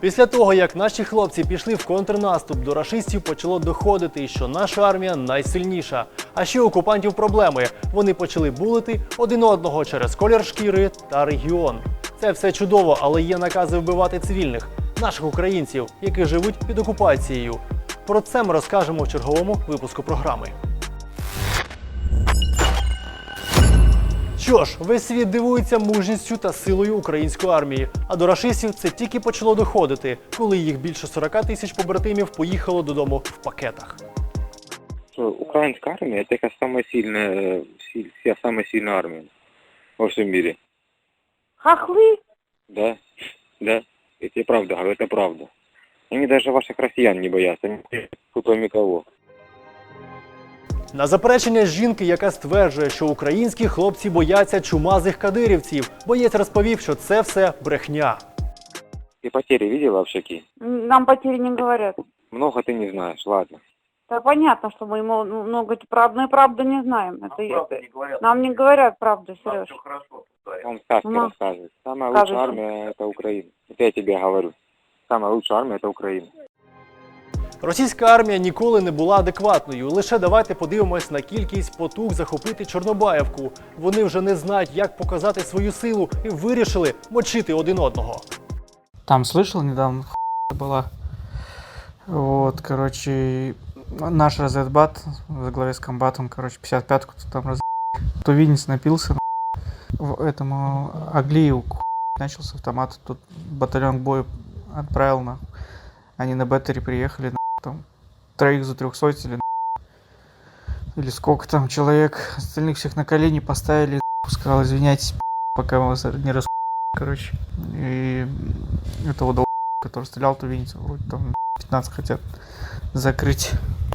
Після того, як наші хлопці пішли в контрнаступ, до рашистів почало доходити, що наша армія найсильніша. А ще у окупантів проблеми. Вони почали булити один одного через колір шкіри та регіон. Це все чудово, але є накази вбивати цивільних, наших українців, які живуть під окупацією. Про це ми розкажемо в черговому випуску програми. Що ж, весь світ дивується мужністю та силою української армії. А до рашистів це тільки почало доходити, коли їх більше 40 тисяч побратимів поїхало додому в пакетах. Украинская армия – это самая сильная армия во всем мире. Хохлы? Да, да. Я тебе правда говорю, это правда. Они даже ваших россиян не боятся, кроме кого. На заперечення жінки, яка стверджує, що українські хлопці бояться чумазих кадирівців, боєць розповів, що це все брехня. Ты потери видела в Шаки? Нам потери не говорят. Много ты не знаешь, ладно. Да понятно, что мы ему много правды не знаем. Нам не говорят правду, Сереж. Он сказки рассказывает. Самая лучшая армия – это Украина. Это я тебе говорю. Самая лучшая армия – это Украина. Російська армія ніколи не була адекватною. Лише давайте подивимось на кількість потуг захопити Чорнобаївку. Вони вже не знають, як показати свою силу і вирішили мочити один одного. Там слышал недавно, была. Вот, короче, наш разведбат во главе с комбатом, короче, 55-ку там тувинец напился, в этому Аглиеву начал с автомата, тут батальон к бою отправил, они на беттере приехали, там, троих за 300 или сколько там человек, остальных всех на колени поставили, сказал, извиняйтесь, пока мы вас не короче, и этого который стрелял тувинцев, вроде там 15 хотят закрыть.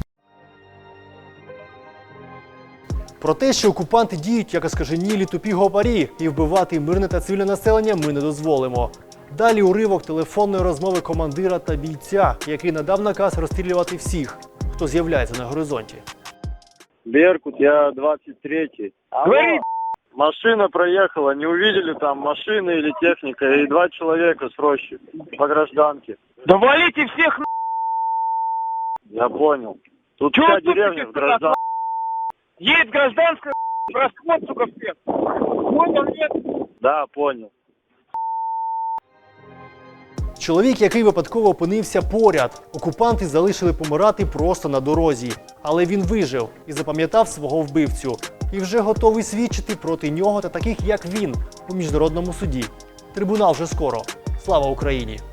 Про те, що окупанти діють як оскаженілі тупі гопарі і вбивати мирне та цивільне населення ми не дозволимо. Далі уривок телефонної розмови командира та бійця, який надав наказ розстрілювати всіх, хто з'являється на горизонті. Беркут, я 23-й. Машина проехала, не увидели там машины или техника, и 2 человека с рощи по гражданке. Да валите всех на... Я понял. Тут Чего вся тут деревня в гражданке. Едет гражданская, расход, сука, всех. Понял, нет? Да, понял. Чоловік, який випадково опинився поряд. Окупанти залишили помирати просто на дорозі. Але він вижив і запам'ятав свого вбивцю. І вже готовий свідчити проти нього та таких, як він, у міжнародному суді. Трибунал вже скоро. Слава Україні!